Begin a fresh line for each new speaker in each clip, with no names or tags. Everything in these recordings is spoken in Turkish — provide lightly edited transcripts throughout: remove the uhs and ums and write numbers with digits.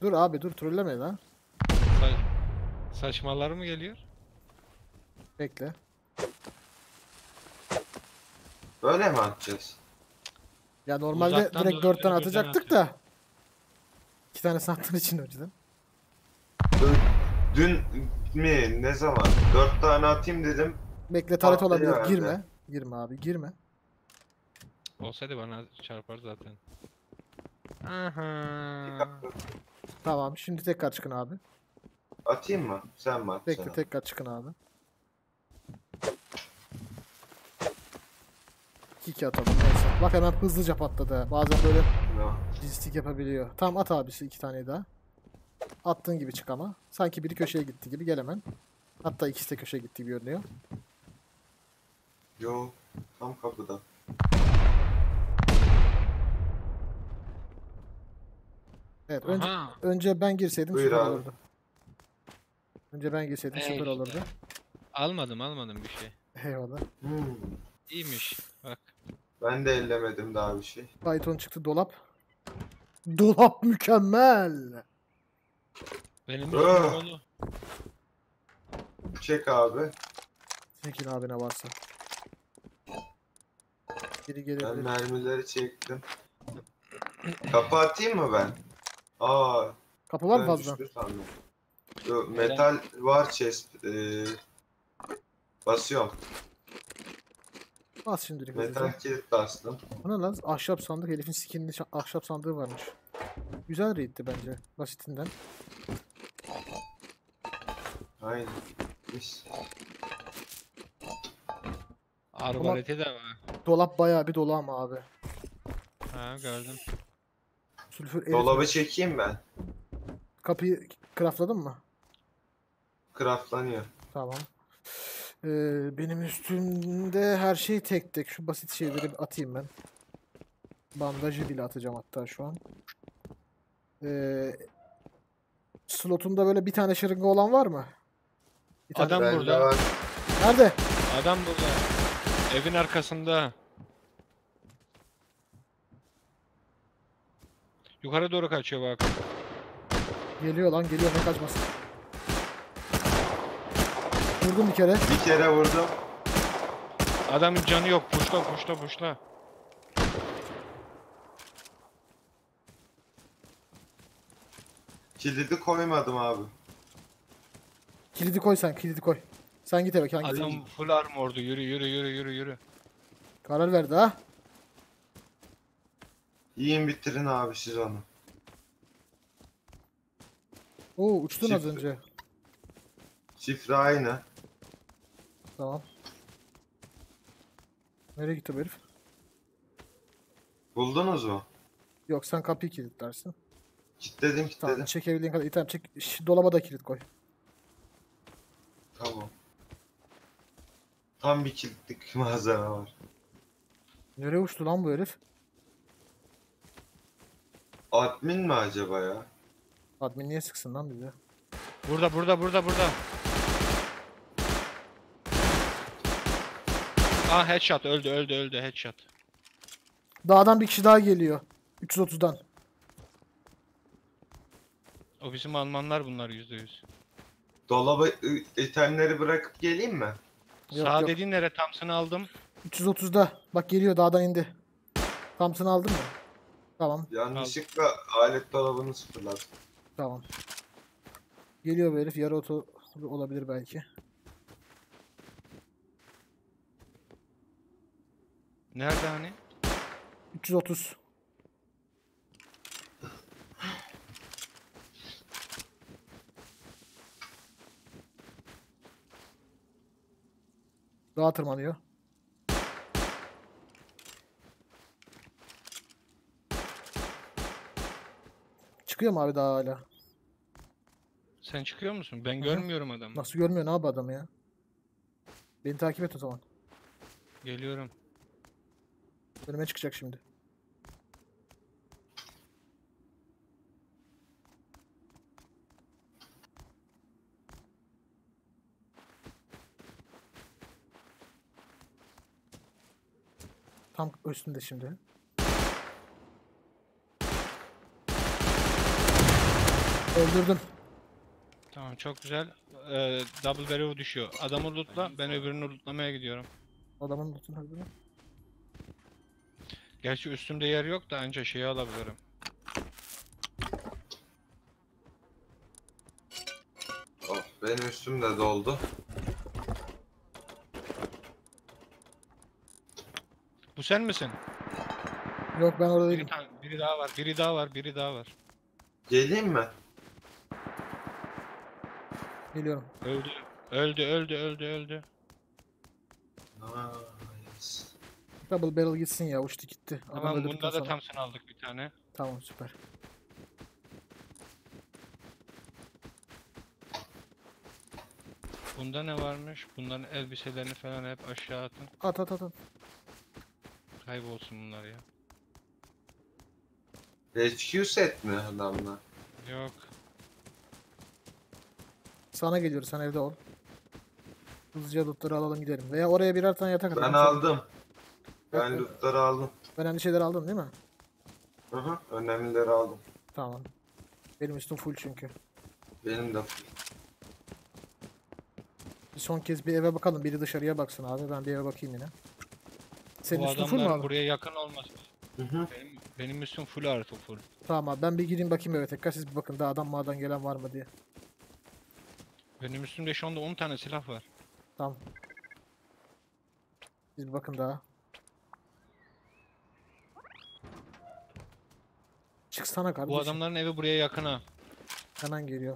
Dur abi dur trolleme lan.
Sa saçmalar mı geliyor?
Bekle.
Böyle mi atacağız?
Ya normalde
Uzaktan
direkt 4 tane
doğru birden
atacaktık
atıyor.
da. 2 tanesini attığın için önceden.
Dün mi? Ne zaman? 4 tane atayım dedim.
Bekle taret olabilir.
Patlayıverdi.
Girme. Girme abi girme.
Olsaydı bana çarpar zaten. Aha.
Tamam şimdi tekrar çıkın abi.
Atayım mı? Sen mi atacaksın?
Bekle tekrar çıkın abi. 2 atalım neyse. Bak hemen hızlıca patladı. ha. Bazen böyle
No.
lojistik yapabiliyor. Tamam at abisi 2 tane daha. Attığın gibi çık ama. Sanki biri köşeye gitti gibi gel hemen. Hatta ikisi de köşeye gitti gibi görünüyor.
Yo. Tam kapıda.
Evet
Aha.
önce ben girseydim
Buyur
süper
abi.
olurdu. Önce ben girseydim süper
işte.
olurdu.
Almadım bir şey.
Eyvallah.
Hmm.
İyiymiş. Bak.
Ben de ellemedim daha bir şey.
Python çıktı dolap. Dolap mükemmel.
Benim
Ah.
onu.
Çek abi.
Çekin abi ne varsa. Biri
Ben
gelebilir.
mermileri çektim. Kapı atayım mı ben? Aa,
Kapı var mı
ben
fazla?
düştü sandım. Yo, metal var chest. Basıyorum.
Bas şimdilik
Metal
hızlıca.
kilit bastım.
Bu ne lan? Ahşap sandık. Herifin skinli ahşap sandığı varmış. Güzel raid'ti bence. Basitinden.
Aynen. Mis.
Arbaleti de var.
Dolap bayağı bir dolu ama abi.
Ha gördüm.
Sülfür eritme.
Dolabı çekeyim ben.
Kapıyı craftladın mı?
Craftlanıyor.
Tamam. Benim üstümde her şey tek tek. Şu basit şeyleri bir atayım ben. Bandajı bile atacağım hatta şu an. Slotunda böyle bir tane şırınga olan var mı? Bir tane.
Adam
Bende
burada.
var.
Nerede?
Adam burada. Evin arkasında. Yukarı doğru kaçıyor bak.
Geliyor lan geliyor ne kaçmasın. Vurdum bir kere.
Bir kere vurdum.
Adamın canı yok. Puşla.
Kilidi koymadım abi.
Kilidi koy sen kilidi koy. Sen git eve hangisi?
Adam full armordu. Yürü.
Karar verdi ha.
Yiyin bitirin abi siz onu.
Oo uçtun az
Çift-
önce.
Şifre aynı.
Tamam. Nereye gitti bu herif?
Buldunuz mu?
Yok sen kapıyı kilitlersin.
Kilitledim
Tamam
kilitledim.
çekebildiğin kadar item çek. Dolaba da kilit koy.
Tamam. Tam bir kilitlik malzeme var.
Nereye uçtu lan bu herif?
Admin mi acaba ya?
Admin niye sıksın lan bize?
Burada. Ah headshot öldü headshot.
Dağdan bir kişi daha geliyor. 330'dan.
O bizim Almanlar bunlar %100.
Dolaba itemleri bırakıp geleyim mi?
Yok,
Sağ
yok.
dediğin nere? Thompson'ı aldım.
330'da. Bak geliyor dağdan indi. Thompson'ı aldın mı? Tamam.
Yanlışlıkla alet dolabını sıfırladım.
Tamam. Geliyor bu herif. Yarı oto olabilir belki.
Nerede hani?
330. Dağa tırmanıyor. Çıkıyor mu abi daha hala?
Sen çıkıyor musun? Ben
hı.
görmüyorum adamı.
Nasıl görmüyor ne abi adamı ya? Beni takip et o zaman.
Geliyorum.
Önüme çıkacak şimdi. Tam üstünde şimdi. Öldürdüm.
Tamam çok güzel. Double barrel düşüyor. Adamı lootla, ben öbürünü lootlamaya gidiyorum.
Adamın lootunu öldürdüm.
Gerçi üstümde yer yok da anca şeyi alabilirim.
Oh, benim üstüm de doldu.
Bu sen misin?
Yok ben orada
Biri,
değilim.
biri daha var, biri daha var, biri daha var.
Geleyim mi?
Geliyorum.
Öldü. Öldü, öldü, öldü, öldü.
Nice.
Double barrel gitsin ya. Uçtu gitti. Adam
Tamam
öldürdükten
bunda da
sonra.
Thompson aldık bir tane.
Tamam süper.
Bunda ne varmış? Bunların elbiselerini falan hep aşağı atın.
At at at at.
Kaybolsun bunlar ya.
HQ set mi adamlar?
Yok.
Sana geliyoruz. Sen evde ol. Hızlıca lootları alalım gidelim. Veya oraya birer tane yatak atalım.
Ben
Sonra-
aldım. Ben
Yok,
lootları aldım.
önemli şeyler aldın değil mi?
Hı hı, önemlileri aldım.
Tamam. Benim üstüm full çünkü.
Benim de.
Bir son kez bir eve bakalım. Biri dışarıya baksın abi. Ben bir eve bakayım yine. Senin
Bu
üstün full mü
adamlar
abi?
buraya yakın olmaz.
Hı hı.
Benim üstüm full artı full.
Tamam abi. Ben bir gireyim bakayım eve tekrar. Siz bir bakın. Daha adam mağdan gelen var mı diye.
Benim üstümde şu anda 10 tane silah var.
Tamam. Siz bir bakın daha. Çıksana kardeşim.
Bu adamların evi buraya yakın ha.
Hemen geliyor.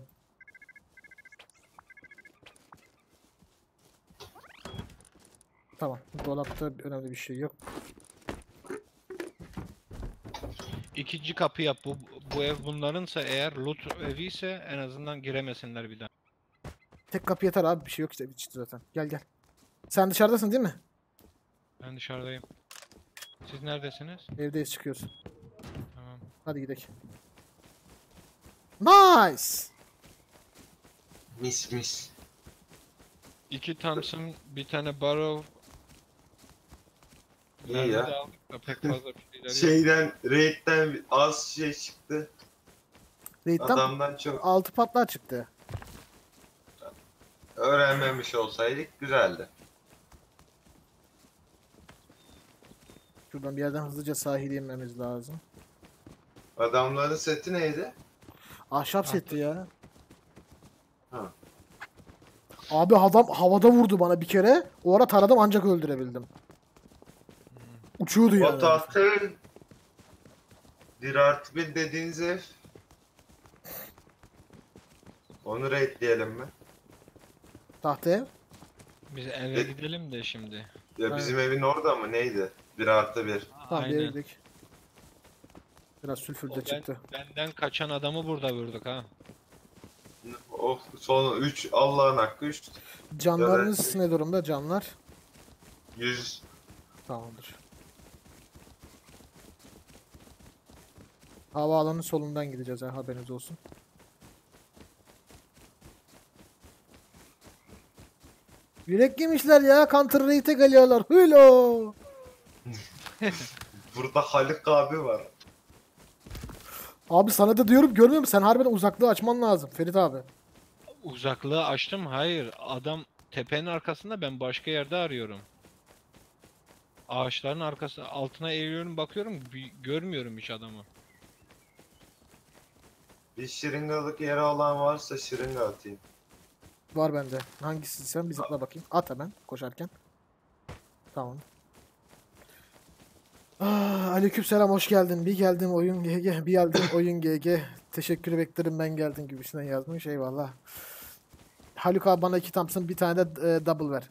Tamam. Dolapta önemli bir şey yok.
İkinci kapı yap. Bu ev bunlarınsa eğer loot evi ise en azından giremesinler bir daha.
Tek kapı yeter abi. Bir şey yok işte. Çıktı zaten. Gel gel. Sen dışarıdasın değil mi?
Ben dışarıdayım. Siz neredesiniz?
Evdeyiz çıkıyoruz.
Tamam.
Hadi gidelim. Nice.
Mis mis.
2 Thompson, bir tane Barrow.
İyi
Mermi
ya.
de aldık da pek fazla bir şeyler yok.
Şeyden, raid'den az şey çıktı.
Raid'den
Adamdan çok
6 patlar çıktı.
öğrenmemiş olsaydık güzeldi.
Şuradan bir yerden hızlıca sahile inmemiz lazım.
Adamların seti neydi?
Ahşap setti ya.
Ha.
Abi adam havada vurdu bana bir kere. O ara taradım ancak öldürebildim. Uçuyordu
O
yani.
tahtın 1+1 dediğiniz ev. Onu raidleyelim mi?
Tahta ev.
Biz eve gidelim de şimdi.
Ya bizim evin orada mı neydi? 1+1.
Tamam bir eve
Aynen.
gidelim. Biraz sülfür
O
de çıktı.
benden kaçan adamı burada vurduk ha.
O son 3 Allah'ın hakkı 3.
Canlarınız ne durumda canlar?
100.
Tamamdır. Havaalanının solundan gideceğiz ha haberiniz olsun. Yürek yemişler ya. Counter Raid'e geliyorlar. Hülo.
Burada Haluk abi var.
Abi sana da diyorum görmüyor musun? Sen harbiden uzaklığı açman lazım Ferit abi.
Uzaklığı açtım. Hayır. Adam tepenin arkasında, ben başka yerde arıyorum. Ağaçların arkası altına eğiliyorum, bakıyorum, görmüyorum hiç adamı.
Bir şırıngalık yeri olan varsa şırınga atayım.
Var bende. Hangisi sen bir zıpla bakayım. At hemen koşarken. Tamam. Aleykümselam hoş geldin. Bir geldim oyun GG. Bir geldim oyun GG. Teşekkür beklerim ben geldim gibisinden yazmış. Eyvallah. Haluk abi bana 2 Thompson bir tane de double ver.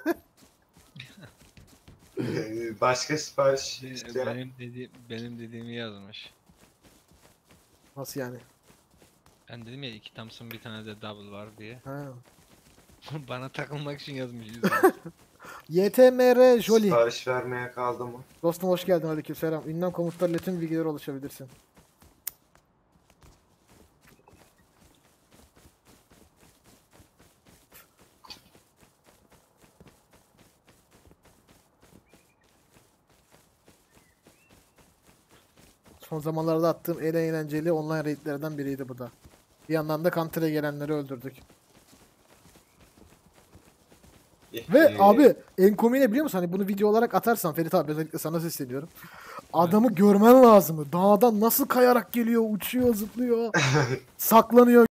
Başka sipariş isteyen.
Benim dediğimi yazmış.
Nasıl yani?
Ben dedim ya 2 Thompson bir tane de double var diye.
Ha.
Bana takılmak için yazmış.
YTMR Jolly.
Sipariş vermeye kaldı mı?
Dostum hoş geldin aleykümselam. Ünlem komutlarıyla tüm bilgilere ulaşabilirsin. Son zamanlarda attığım en eğlenceli online raidlerden biriydi bu da. Bir yandan da Counter'a gelenleri öldürdük. Ve abi en komiği ne biliyor musun? Hani bunu video olarak atarsan Ferit abi, özellikle sana sesleniyorum. Adamı görmen lazım. Dağdan nasıl kayarak geliyor, uçuyor, zıplıyor. Saklanıyor.